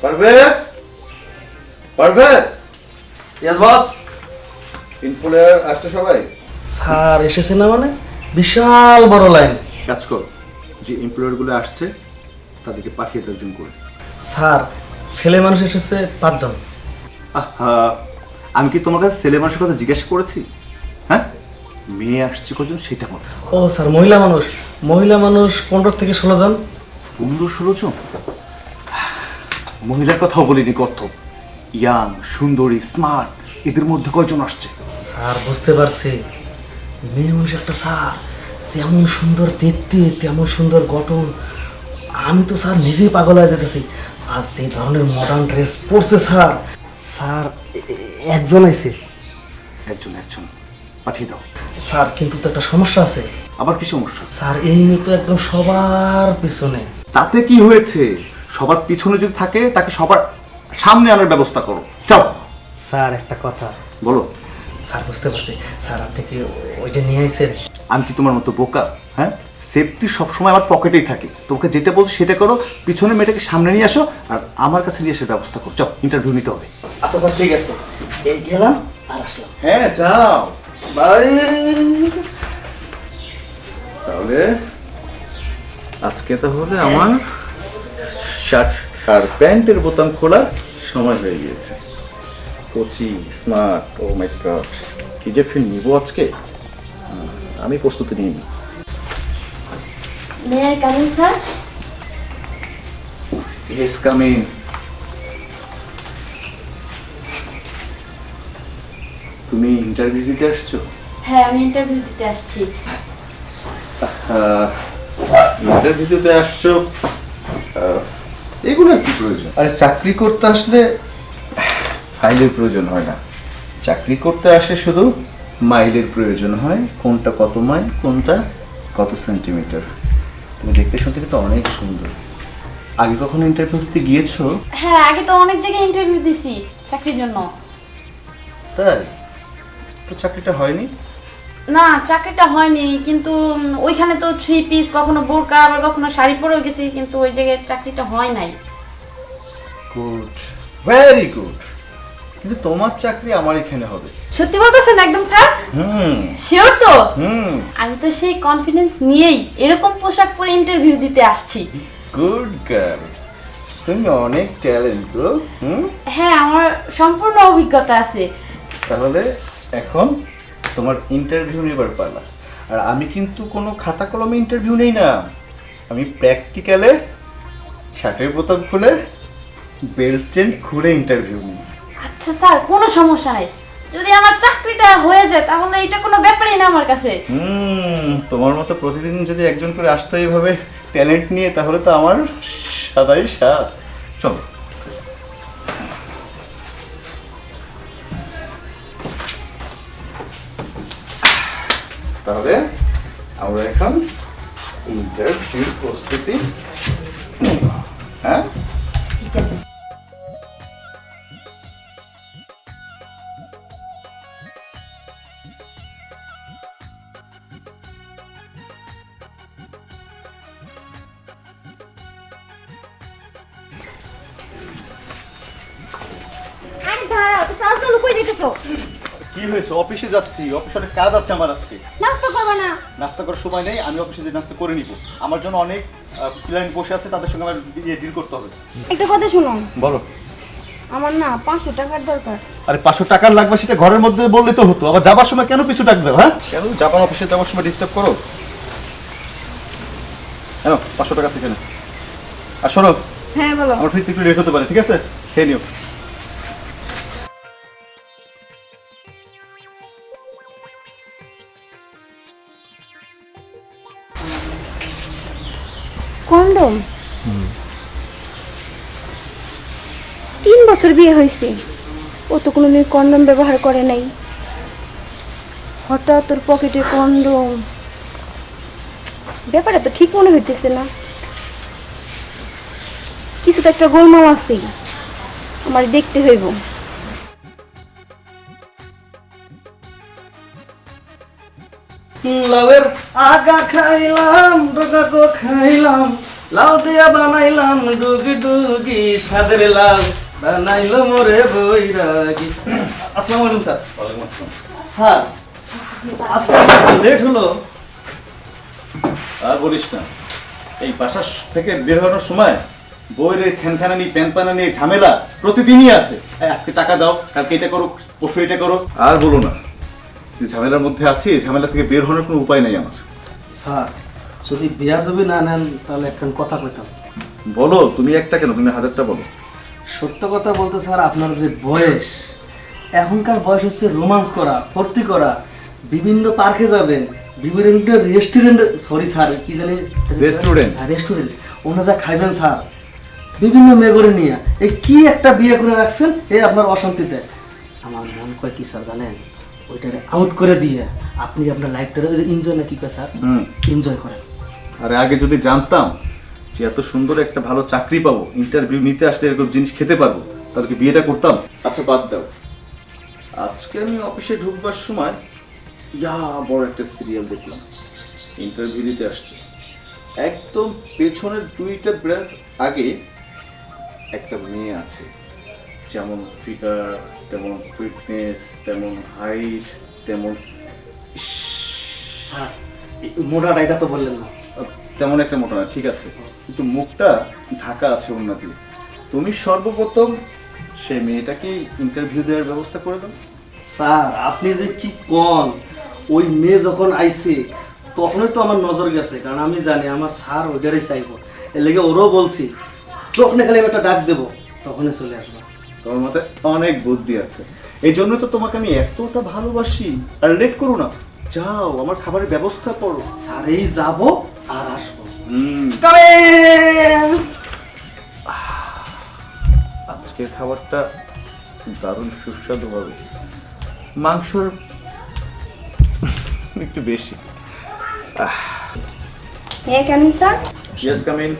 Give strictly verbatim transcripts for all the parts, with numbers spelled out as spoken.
Parvez Parvez yes boss. ইনফ্লুয়ার আসছে সবাই? স্যার এসেছে না মানে বিশাল বড় লাইন। কাজ কর, যে এমপ্লয়ার গুলো আসছে তাদেরকে পাঠিয়ে একজন করে। স্যার ছেলে মানুষ এসেছে পাঁচজন। আহা, আমি কি তোমার কাছে ছেলে মানুষের কথা জিজ্ঞাসা করেছি? হ্যাঁ, মেয়ে আসছে কজন সেটা বল। ও স্যার মহিলা মানুষ, মহিলা মানুষ পনেরো থেকে ষোলো জন। পনেরো ষোলো জন? মহিলার কথাও বলিনি কত। ইয়াং, সুন্দরী, স্মার্ট, এদের মধ্যে কয়জন আসছে? স্যার বুঝতে পারছি, মেয়ে মানুষ একটা স্যার, যেমন সুন্দর দেখতে তেমন সুন্দর গঠন। আমি তো স্যার নিজেই পাগল হয়ে যেতেছি। আর সেই ধরনের মডার্ন ড্রেস পরছে স্যার। স্যার এ- এ- একজন আইছে। একজন একজন পাঠিয়ে দাও। স্যার কিন্তু তো একটা সমস্যা আছে। আবার কি সমস্যা? স্যার এই মেয়ে তো একদম সবার পিছনে। তাতে কি হয়েছে? সবার পিছনে যদি থাকে তাকে সবার সামনে আনার ব্যবস্থা করো। যাও। স্যার একটা কথা বলো। স্যার বুঝতে পারছি। স্যার আপনি কি ওইটা নিয়ে আইছেন? আমি কি তোমার মতো বোকা? হ্যাঁ, সেফটি সবসময় আমার পকেটেই থাকে। তোমাকে যেটা বলছো সেটা করো, পিছনে মেয়েটাকে সামনে নিয়ে আসো আর আমার কাছে নিয়ে এসে ব্যবস্থা করো। যাও, ইন্টারভিউ নিতে হবে। আচ্ছা স্যার ঠিক আছে, এই গেলাম আর আসলাম। হ্যাঁ যাও। বাই। তাহলে আজকে তাহলে আমার শার্ট আর প্যান্টের বোতাম খোলার সময় হয়ে গিয়েছে। কোচি স্মার্ট, ও মাই গড, কি যে ফিল্ম নিব আজকে, আমি প্রস্তুতি নিই। May I come in sir? Yes, come in. তুমি ইন্টারভিউ দিতে আসছো? হ্যাঁ, আমি ইন্টারভিউ দিতে আসছি। ইন্টারভিউ দিতে আসছো, আহ, এগুলো কি প্রয়োজন? আরে চাকরি করতে আসলে ফাইলের প্রয়োজন হয় না। চাকরি করতে আসে শুধু মাইলের প্রয়োজন হয়। কোনটা কত মাইল, কোনটা কত সেন্টিমিটার। তুমি দেখতে শুনতে কিন্তু অনেক সুন্দর। আগে কখনো ইন্টারভিউ দিতে গিয়েছো? হ্যাঁ, আগে তো অনেক জায়গায় ইন্টারভিউ দিছি চাকরির জন্য। তাই তো চাকরিটা হয়নি? না, চাকরিটা হয়নি, কিন্তু উম, ওইখানে তো থ্রি পিস, কখনো বোরকা, আবার কখনো শাড়ি পরেও গেছি, কিন্তু ওই জায়গায় চাকরিটা হয় নাই। Good, very good. কিন্তু তোমার চাকরি আমার এখানে হবে। সত্যি বলতেছেন একদম স্যার? হুম শিওর তো? হুম আমি তো সেই কনফিডেন্স নিয়েই এরকম পোশাক পরে ইন্টারভিউ দিতে আসছি। গুড গার্ল, তুমি অনেক ট্যালেন্ট গো। হুম হ্যাঁ, আমার সম্পূর্ণ অভিজ্ঞতা আছে। তাহলে এখন তোমার ইন্টারভিউ নেবার পালা। আর আমি কিন্তু কোনো খাতা কলমে ইন্টারভিউ নেই না, আমি প্র্যাকটিক্যালে শার্টের বোতাম খুলে বেল্ট চেন খুলে ইন্টারভিউ নিই। আচ্ছা স্যার, কোনো সমস্যা নাই। যদি আমার চাকরিটা হয়ে যায় তাহলে এটা কোনো ব্যাপারই না আমার কাছে। হুম তোমার মতো প্রতিদিন যদি একজন করে আসতো এইভাবে ট্যালেন্ট নিয়ে, তাহলে তো আমার সাদাই সাত। চলো। তাহলে আমরা এখন ইন্টারভিউ প্রস্তুতি নেব। হ্যাঁ, ঠিক আছে। আরে দাঁড়াও তো, চাল চালু কই যেতেছো? কি হয়েছে? অফিসে যাচ্ছি, অফিসে অনেক কাজ আছে আমার আজকে। নাস্তা করবে না? নাস্তা করার সময় নেই, আমি অফিসে যে নাস্তা করে নিব। আমার জন্য অনেক ক্লায়েন্ট বসে আছে, তাদের সঙ্গে আমার ডিল করতে হবে। একটা কথা শুনো, বলো। আমার না পাঁচশো টাকার দরকার। আরে পাঁচশো টাকার লাগবে সেটা ঘরের মধ্যে বললে তো হতো, আবার যাবার সময় কেন পিছু ডাক দাও? হ্যাঁ, কেন জাপান অফিসে যাওয়ার সময় ডিস্টার্ব করো? কেন পাঁচশো টাকা সেখানে? আর শোনো, হ্যাঁ বলো। আমার ফিরতে একটু লেট হতে পারে, ঠিক আছে? খেয়ে নিও। কন্ডম? তিন বছর বিয়ে হয়েছে, ও তো কোনোদিন কন্ডম ব্যবহার করে নাই। হঠাৎ তোর পকেটে কন্ডম, ব্যাপারটা তো ঠিক মনে হইতেছে না। কিছু তো একটা গোলমাল আছে, আমার দেখতে হইব। লাউয়ের আগা খাইলাম, ডগা গো খাইলাম, লাউ দিয়া বানাইলাম ডুগি ডুগি সাদের লাউ বানাইলো মোরে বৈরাগী। আসসালামু আলাইকুম স্যার। স্যার আজকে লেট হলো। আর বলিস না, এই বাসা থেকে বের হওয়ার সময় বইয়ের খ্যানখানানি প্যান পানানি ঝামেলা প্রতিদিনই আছে। এই আজকে টাকা দাও, কালকে এটা করো, পরশু এটা করো। আর বলো না, যে ঝামেলার মধ্যে আছি, এই ঝামেলা থেকে বের হওয়ার কোনো উপায় নেই আমার। স্যার যদি বেয়াদবি না নেন তাহলে একখান কথা কইতাম। বলো, তুমি একটা কেন, তুমি হাজারটা বলো। সত্য কথা বলতে স্যার, আপনার যে বয়স, এখনকার বয়স হচ্ছে রোমান্স করা, ফুর্তি করা, বিভিন্ন পার্কে যাবেন, বিভিন্ন রেস্টুরেন্টে, সরি স্যার কি জানি রেস্টুরেন্ট রেস্টুরেন্ট ওনা যা খাইবেন স্যার, বিভিন্ন মেগরে নিয়ে এই কি একটা বিয়ে করে রাখছেন এই আপনার অশান্তিতে। আমার মন কয় কি স্যার জানেন, ওইটারে আউট করে দিয়ে আপনি আপনার লাইফটারে এনজয় না কি কয় স্যার, হুম এনজয় করেন। আরে আগে যদি জানতাম যে এত সুন্দর একটা ভালো চাকরি পাবো, ইন্টারভিউ নিতে আসলে এরকম জিনিস খেতে পারবো, তাহলে কি বিয়েটা করতাম? আচ্ছা বাদ দাও, আজকে আমি অফিসে ঢুকবার সময় ইয়া বড় একটা সিরিয়াল দেখলাম, ইন্টারভিউ দিতে আসছে। একদম পেছনের দুইটা ব্রাঞ্চ আগে একটা মেয়ে আছে, যেমন ফিগার, তেমন ফিটনেস, তেমন হাইট, তেমন স্যার মোটাটা এটা তো বললেন না। তেমন একটা মোটা না, ঠিক আছে, কিন্তু মুখটা ঢাকা আছে ওড়না দিয়ে। তুমি সর্বপ্রথম সেই মেয়েটাকে ইন্টারভিউ দেওয়ার ব্যবস্থা করে দাও। স্যার আপনি যে কি কন, ওই মেয়ে যখন আইছে তখনই তো আমার নজর গেছে, কারণ আমি জানি আমার স্যার ওইটারই চাইবো, এর লেগে ওরও বলছি যখনই খালি আমি একটা ডাক দেবো তখনই চলে আসবো। তোমার মাথায় অনেক বুদ্ধি আছে, এই জন্য তো তোমাকে আমি এতটা ভালোবাসি। আর লেট করো না, যাও আমার খাবারের ব্যবস্থা করো। স্যার এই যাবো আর আসবো। হুম, Coming! আজকের খাবারটা দারুণ সুস্বাদু হবে, মাংসর একটু বেশি। হ্যাঁ কেন স্যার? Yes, come in.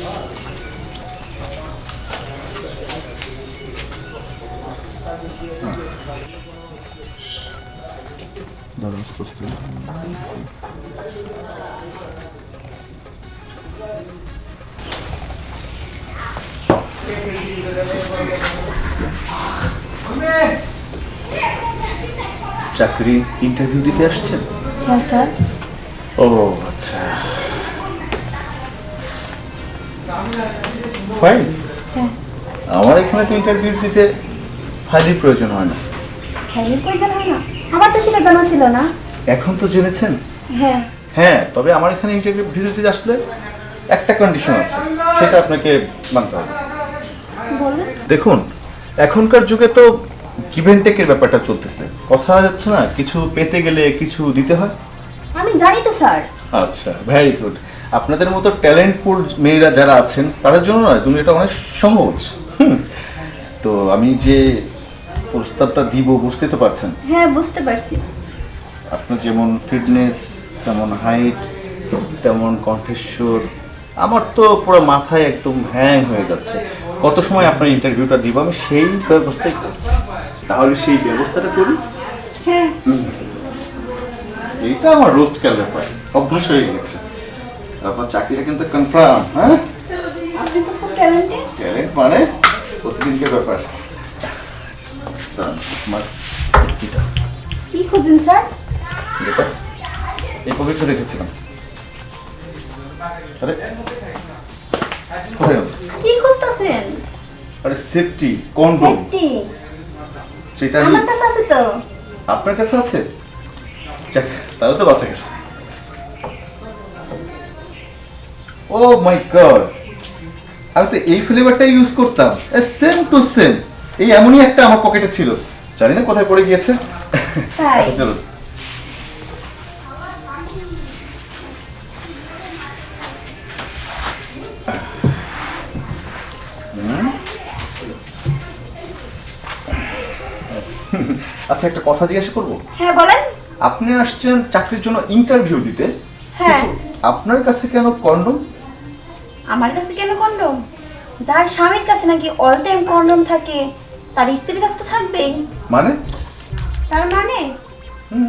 দারুণ সুস্থ। চাকরি ইন্টারভিউ দিতে আসছেন? হ্যাঁ স্যার। ও আচ্ছা, ফাইল। হ্যাঁ। আমার এখানে তো ইন্টারভিউ দিতে ফাইলের প্রয়োজন হয় না। ফাইলের প্রয়োজন হয় না? আমার তো সেটা জানা ছিল না। এখন তো জেনেছেন? হ্যাঁ। হ্যাঁ, তবে আমার এখানে ইন্টারভিউ দিতে আসলে একটা কন্ডিশন আছে, সেটা আপনাকে মানতে হবে। বলুন। দেখুন, এখনকার যুগে তো গিভ অ্যান্ড টেকের ব্যাপারটা চলতেছে, কথা যাচ্ছে না, কিছু পেতে গেলে কিছু দিতে হয়। আমি জানি তো স্যার। আচ্ছা, ভেরি গুড। আপনাদের মতো ট্যালেন্টফুল মেয়েরা যারা আছেন তাদের জন্য নয়, তুমি এটা অনেক সহজ। হুম, তো আমি যে প্রস্তাবটা দিব বুঝতে তো পারছেন? হ্যাঁ বুঝতে পারছি। আপনার যেমন ফিটনেস, তেমন হাইট, তেমন কণ্ঠস্বর, আমার তো পুরো মাথায় একদম হ্যাং হয়ে যাচ্ছে। কত সময় আপনার ইন্টারভিউটা দিব, আমি সেই ব্যবস্থাই করছি। তাহলে সেই ব্যবস্থাটা করি। হ্যাঁ। এইটা আমার রোজকার ব্যাপার, অভ্যাস হয়ে গেছে। আপনার চাকরিটা কিন্তু কনফার্ম। হ্যাঁ, আপনি তো খুব ট্যালেন্টেড। ট্যালেন্ট মানে প্রতিদিনকে ব্যাপার। আমার চাকরিটা কি খুঁজছেন স্যার? এটা এই পবিত্র রেখেছিলাম। আরে কোথায় গেল? কি খুঁজতেছেন? আরে সেফটি কন্ডোম, সেফটি সেটা আমি আমার কাছে আছে তো। আপনার কাছে আছে? যাক, তাহলে তো বাঁচা গেল। ও মাই গড, আমি তো এই ফ্লেভারটা ইউজ করতাম, সেম টু সেম। এই এমনই একটা আমার পকেটে ছিল, জানি না কোথায় পড়ে গিয়েছে। তাই? আচ্ছা চলো। আচ্ছা, একটা কথা জিজ্ঞাসা করবো? হ্যাঁ বলেন। আপনি আসছেন চাকরির জন্য ইন্টারভিউ দিতে, হ্যাঁ। কিন্তু আপনার কাছে কেন কন্ডম? আমার কাছে কেন কন্ডম? যার স্বামীর কাছে নাকি অল টাইম কন্ডম থাকে তার স্ত্রীর কাছে তো থাকবেই। মানে? তার মানে হুম,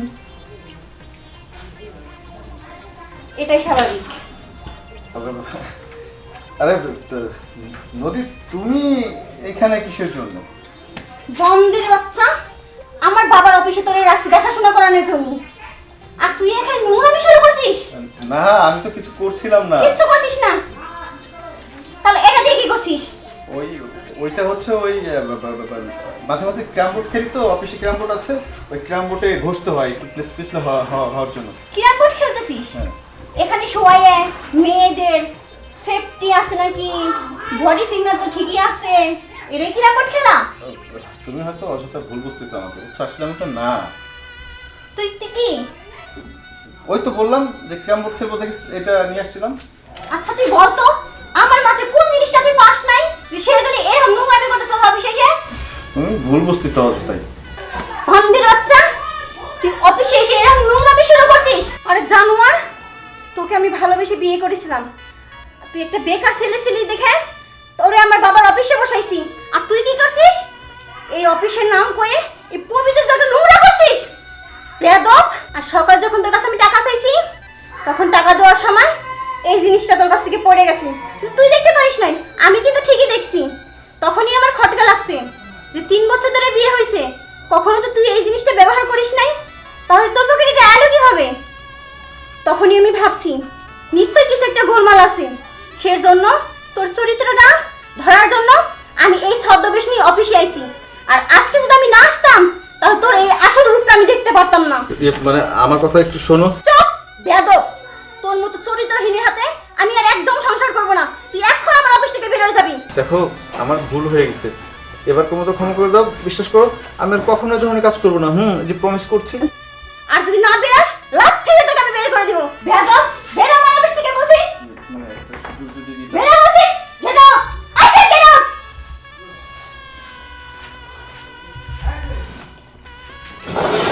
এটাই স্বাভাবিক। আরে ত- নদী, তুমি এখানে কিসের জন্য? বন্দির বাচ্চা, আমার বাবার অফিসে তোরে রাখছি দেখাশোনা করানোর জন্য, আর তুই এখানে নোংরামি শুরু করছিস। না, আমি তো কিছু করছিলাম না। কিচ্ছু করছিস না, তাহলে এটা দিয়ে কি করছিস? ওই ওইটা হচ্ছে ওই আহ, বা- বা- বা- বা- মাঝে মাঝে ক্যারাম বোর্ড খেলি তো, অফিসে ক্যারাম বোর্ড আছে, ওই ক্যারাম বোর্ডে ঘষতে হয় একটু প্লেসপ্লেসলে হওয়ার জন্য। কিরা কোট খেলতেছিস? হ্যাঁ। এখানে শোয়ায়ে মেয়েদের সেফটি আছে নাকি, বডি ফিঙ্গার তো ঠিকই আছে, এটাই কিরা কোট খেলা? তুমি হয়তো অযথা ভুল বুঝতেছো আমাকে, বুঝছো? আসলে আমি তো না। তুই তুই কি? ওই তো বললাম যে ক্যারাম বোর্ড খেলবো দেখে এটা নিয়ে আসছিলাম। আচ্ছা তুই বল তো, আমার মাঝে কোন জিনিসটা তুই পাস নাই যে সে জানি এরকম নোংরামি করতেছ অফিসে এসে? তুমি ভুল বুঝতেছো অযথাই। বান্দির বাচ্চা, তুই অফিসে এসে এরকম নোংরামি শুরু করছিস? আরে জানোয়ার, তোকে আমি ভালোবেসে বিয়ে করেছিলাম, তুই একটা বেকার ছেলে ছিলি দেখে তোরে আমার বাবার অফিসে বসাইছি, আর তুই কি করছিস? এই অফিসের নাম কয়ে এই পবিত্র জায়গা নোংরা করছিস, বেয়াদব। আর সকাল যখন তোর কাছে আমি টাকা চাইছি, তখন টাকা দেওয়ার সময় এই জিনিসটা তোর কাছ থেকে পড়ে গেছে, কিন্তু তুই দেখতে পারিস নাই, আমি কিন্তু ঠিকই দেখছি। তখনই আমার খটকা লাগছে যে তিন বছর ধরে বিয়ে হয়েছে, কখনো তো তুই এই জিনিসটা ব্যবহার করিস নাই, তাহলে তোর পকেটে এটা এলো কিভাবে? তখনই আমি ভাবছি নিশ্চয়ই কিছু একটা গোলমাল আছে, সেই জন্য তোর চরিত্রটা ধরার জন্য আমি এই ছদ্মবেশ নিয়ে অফিসে আইছি। আর আজকে যদি আমি না আসতাম, তাহলে তোর এই আসল রূপটা আমি দেখতে পারতাম না। মানে আমার কথা একটু শোনো। চুপ বেয়াদব, তোর মতো চরিত্রহীনের হাতে আমি আর একদম সংসার করব না, তুই এখন আমার অফিস থেকে বের হয়ে যাবি। দেখো, আমার ভুল হয়ে গেছে, এবার কোনো তো ক্ষমা করে দাও। বিশ্বাস করো, আমি আর কখনো এই ধরনের কাজ করবো না। হুম, এই যে প্রমিস করছি। আর যদি না বেরাস, লাথি দিয়ে তোকে আমি বের করে দিব। বেয়াদব, বের হ আমার অফিস থেকে বলছি, মানে একটা সুযোগ যদি দিতে- বের হ বলছি, get out, I said get out. O